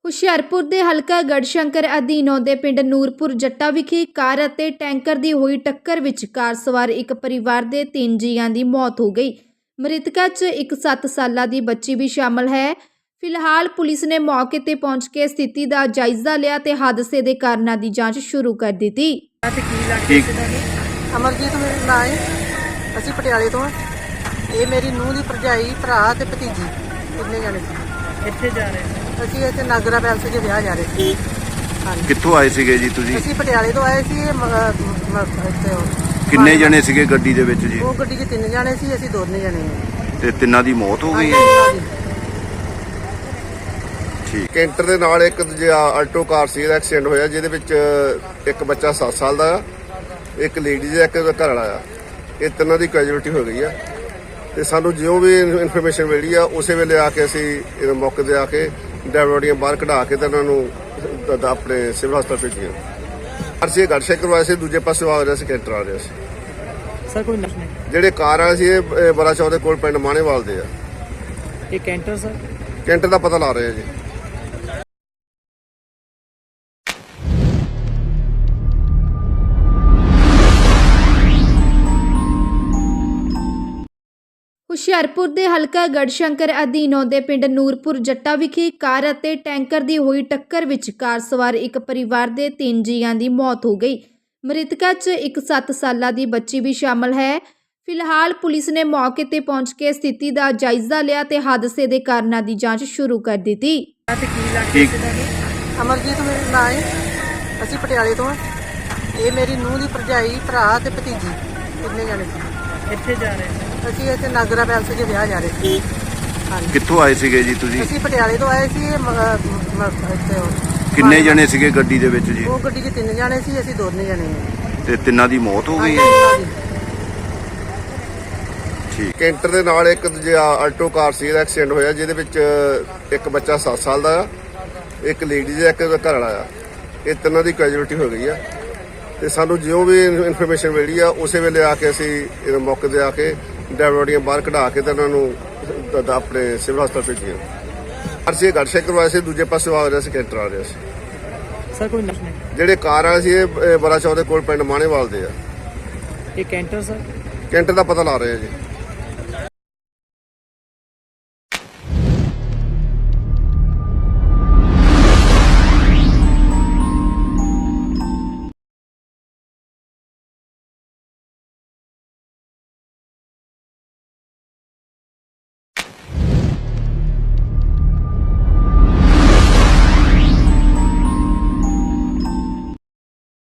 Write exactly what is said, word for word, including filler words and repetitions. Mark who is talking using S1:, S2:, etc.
S1: ਹੁਸ਼ਿਆਰਪੁਰ ਦੇ ਹਲਕਾ ਗੜਸ਼ੰਕਰ ਅਧੀਨ ਆਉਂਦੇ ਪਿੰਡ ਨੂਰਪੁਰ ਜੱਟਾ ਵਿਖੇ ਕਾਰ ਅਤੇ ਟੈਂਕਰ ਦੀ ਹੋਈ ਟੱਕਰ ਵਿੱਚ ਕਾਰ ਸਵਾਰ ਇੱਕ ਪਰਿਵਾਰ ਦੇ ਤਿੰਨ ਜੀਆਂ ਦੀ ਮੌਤ ਹੋ ਗਈ। ਮ੍ਰਿਤਕਾਂ 'ਚ ਇੱਕ ਸੱਤ ਸਾਲਾਂ ਦੀ ਬੱਚੀ ਵੀ ਸ਼ਾਮਲ ਹੈ। ਫਿਲਹਾਲ ਪੁਲਿਸ ਨੇ ਮੌਕੇ ਤੇ ਪਹੁੰਚ ਕੇ ਸਥਿਤੀ ਦਾ ਜਾਇਜ਼ਾ ਲਿਆ ਤੇ ਹਾਦਸੇ ਦੇ ਕਾਰਨਾਂ ਦੀ ਜਾਂਚ ਸ਼ੁਰੂ ਕਰ ਦਿੱਤੀ।
S2: ਅਮਰਜੀਤ ਮੇਰਾ ਨਾਂ ਹੈ। ਅਸੀਂ ਪਟਿਆਲੇ ਤੋਂ ਹਾਂ। ਇਹ ਮੇਰੀ ਨੂੰਹ ਦੀ ਭਰਜਾਈ, ਭਰਾ ਤੇ ਭਤੀਜੀ ਕਿੰਨੇ ਜਾਣੇ ਸੀ।
S3: ਕਿੱਥੇ ਜਾ ਰਹੇ ਸੀ?
S2: ਅਸੀਂ ਇੱਥੇ ਨਾਗਰਾ ਪੈਲਸ 'ਚ ਵਿਆਹ ਜਾ ਰਹੇ ਸੀ। ਹਾਂਜੀ,
S4: ਕਿੱਥੋਂ ਆਏ ਸੀਗੇ ਜੀ ਤੁਸੀਂ?
S2: ਅਸੀਂ ਪਟਿਆਲੇ ਤੋਂ ਆਏ ਸੀ। ਇਹ ਮ- ਮ- ਇੱਥੇ ਉਹ-
S4: ਕਿੰਨੇ ਜਣੇ ਸੀਗੇ ਗੱਡੀ ਦੇ ਵਿੱਚ ਜੀ?
S2: ਉਹ ਗੱਡੀ 'ਚ ਤਿੰਨ ਜਾਣੇ ਸੀ, ਅਸੀਂ ਦੋਨੇ ਜਾਣੇ ਹਾਂ।
S4: ਤੇ ਤਿੰਨਾਂ ਦੀ ਮੌਤ ਹੋ ਗਈ?
S2: ਹਾਂਜੀ,
S4: ਠੀਕ।
S5: ਕੈਂਟਰ ਦੇ ਨਾਲ ਇੱਕ ਦੂਜਾ ਆਲਟੋ ਕਾਰ ਸੀ, ਇਹਦਾ ਐਕਸੀਡੈਂਟ ਹੋਇਆ, ਜਿਹਦੇ ਵਿੱਚ ਇੱਕ ਬੱਚਾ ਸੱਤ ਸਾਲ ਦਾ, ਇੱਕ ਲੇਡੀ ਦਾ, ਇੱਕ ਘਰ ਵਾਲਾ ਆ। ਇਹ ਤਿੰਨਾਂ ਦੀ ਕੈਜੂਅਲਟੀ ਹੋ ਗਈ ਆ। ਤੇ ਸਾਨੂੰ ਜਿਉਂ ਵੀ ਇਨਫੋਰਮੇਸ਼ਨ ਮਿਲੀ ਆ, ਉਸੇ ਵੇਲੇ ਆ ਕੇ ਅਸੀਂ ਇਹ ਮੌਕੇ ਤੇ ਆ ਕੇ ਡਰਾਈਵਰ ਬਾਹਰ ਕਢਾ ਕੇ ਤੇ ਉਹਨਾਂ ਨੂੰ ਦ- ਦ- ਆਪਣੇ ਸਿਵਲ ਹਸਪਤਾਲ ਭੇਜੀਆਂ। ਅਸੀਂ ਗੜਸ਼ੰਕਰ ਵਾਸਤੇ ਦੂਜੇ ਪਾਸੇ ਆ ਰਿਹਾ ਸੀ, ਕੈਂਟਰ ਆ ਰਿਹਾ ਸੀ।
S3: ਸਰ ਕੋਈ ਨਸ਼ ਨਹੀਂ।
S5: ਜਿਹੜੇ ਕਾਰ ਵਾਲੇ ਸੀ ਇਹ ਬੜਾ ਚੌਕ ਦੇ ਕੋਲ ਪਿੰਡ ਮਾਣੇਵਾਲ ਦੇ ਆ।
S3: ਇਹ ਕੈਂਟਰ ਸਰ?
S5: ਕੈਂਟਰ ਦਾ ਪਤਾ ਲਾ ਰਹੇ ਆ ਜੀ।
S1: ਹੁਸ਼ਿਆਰਪੁਰ ਦੇ ਹਲਕਾ ਗੜਸ਼ੰਕਰ ਅਧੀਨ ਆਉਂਦੇ ਪਿੰਡ ਨੂਰਪੁਰ ਜੱਟਾ ਵਿਖੇ ਕਾਰ ਅਤੇ ਟੈਂਕਰ ਦੀ ਹੋਈ ਟੱਕਰ ਵਿੱਚ ਕਾਰ ਸਵਾਰ ਇੱਕ ਪਰਿਵਾਰ ਦੇ ਤਿੰਨ ਜੀਆਂ ਦੀ ਮੌਤ ਹੋ ਗਈ। ਮ੍ਰਿਤਕਾਂ 'ਚ ਇੱਕ ਸੱਤ ਸਾਲਾਂ ਦੀ ਬੱਚੀ ਵੀ ਸ਼ਾਮਲ ਹੈ। ਫਿਲਹਾਲ ਪੁਲਿਸ ਨੇ ਮੌਕੇ ਤੇ ਪਹੁੰਚ ਕੇ ਸਥਿਤੀ ਦਾ ਜਾਇਜ਼ਾ ਲਿਆ ਤੇ ਹਾਦਸੇ ਦੇ ਕਾਰਨਾਂ ਦੀ ਜਾਂਚ ਸ਼ੁਰੂ ਕਰ ਦਿੱਤੀ।
S4: ਠੀਕ।
S2: ਅਮਰਜੀਤ ਮੇਰਾ ਨਾਂ ਹੈ। ਅਸੀਂ ਪਟਿਆਲੇ ਤੋਂ ਹਾਂ। ਇਹ ਮੇਰੀ ਨੂੰਹ ਦੀ ਭਰਜਾਈ, ਭਰਾ ਤੇ ਭਤੀਜੀ ਕਿੰਨੇ ਜਾਣੇ ਸੀ।
S3: ਕਿੱਥੇ ਜਾ ਰਹੇ ਸੀ?
S2: ਅਸੀਂ ਇੱਥੇ ਨਾਗਰਾ ਪੈਲਸ 'ਚ ਵਿਆਹ ਜਾ ਰਹੇ ਸੀ। ਹਾਂਜੀ,
S4: ਕਿੱਥੋਂ ਆਏ ਸੀਗੇ ਜੀ ਤੁਸੀਂ?
S2: ਅਸੀਂ ਪਟਿਆਲੇ ਤੋਂ ਆਏ ਸੀ। ਇਹ ਮ- ਮ- ਇੱਥੇ ਉਹ-
S4: ਕਿੰਨੇ ਜਣੇ ਸੀਗੇ ਗੱਡੀ ਦੇ ਵਿੱਚ ਜੀ?
S2: ਉਹ ਗੱਡੀ 'ਚ ਤਿੰਨ ਜਾਣੇ ਸੀ, ਅਸੀਂ ਦੋਨੇ ਜਾਣੇ ਹਾਂ।
S4: ਤੇ ਤਿੰਨਾਂ ਦੀ ਮੌਤ ਹੋ ਗਈ?
S2: ਹਾਂਜੀ,
S4: ਠੀਕ।
S5: ਕੈਂਟਰ ਦੇ ਨਾਲ ਇੱਕ ਦੂਜਾ ਆਲਟੋ ਕਾਰ ਸੀ, ਇਹਦਾ ਐਕਸੀਡੈਂਟ ਹੋਇਆ, ਜਿਹਦੇ ਵਿੱਚ ਇੱਕ ਬੱਚਾ ਸੱਤ ਸਾਲ ਦਾ, ਇੱਕ ਲੇਡੀ ਦਾ, ਇੱਕ ਘਰ ਵਾਲਾ ਆ। ਇਹ ਤਿੰਨਾਂ ਦੀ ਕੈਜੂਅਲਟੀ ਹੋ ਗਈ ਆ। ਤੇ ਸਾਨੂੰ ਜਿਉਂ ਵੀ ਇਨਫੋਰਮੇਸ਼ਨ ਮਿਲੀ ਆ, ਉਸੇ ਵੇਲੇ ਆ ਕੇ ਅਸੀਂ ਇਹ ਮੌਕੇ ਤੇ ਆ ਕੇ ਡਰਾਈਵਰ ਬਾਹਰ ਕਢਾ ਕੇ ਤੇ ਉਹਨਾਂ ਨੂੰ ਦ- ਦ- ਆਪਣੇ ਸਿਵਲ ਹਸਪਤਾਲ ਭੇਜੀਆਂ। ਅਸੀਂ ਗੜਸ਼ੰਕਰ ਵਾਸਤੇ ਦੂਜੇ ਪਾਸੇ ਆ ਰਿਹਾ ਸੀ, ਕੈਂਟਰ ਆ ਰਿਹਾ ਸੀ।
S3: ਸਰ ਕੋਈ ਨਸ਼ ਨਹੀਂ।
S5: ਜਿਹੜੇ ਕਾਰ ਵਾਲੇ ਸੀ ਇਹ ਬੜਾ ਚੌਕ ਦੇ ਕੋਲ ਪਿੰਡ ਮਾਣੇਵਾਲ ਦੇ ਆ।
S3: ਇਹ ਕੈਂਟਰ ਸਰ?
S5: ਕੈਂਟਰ ਦਾ ਪਤਾ ਲਾ ਰਹੇ ਆ ਜੀ।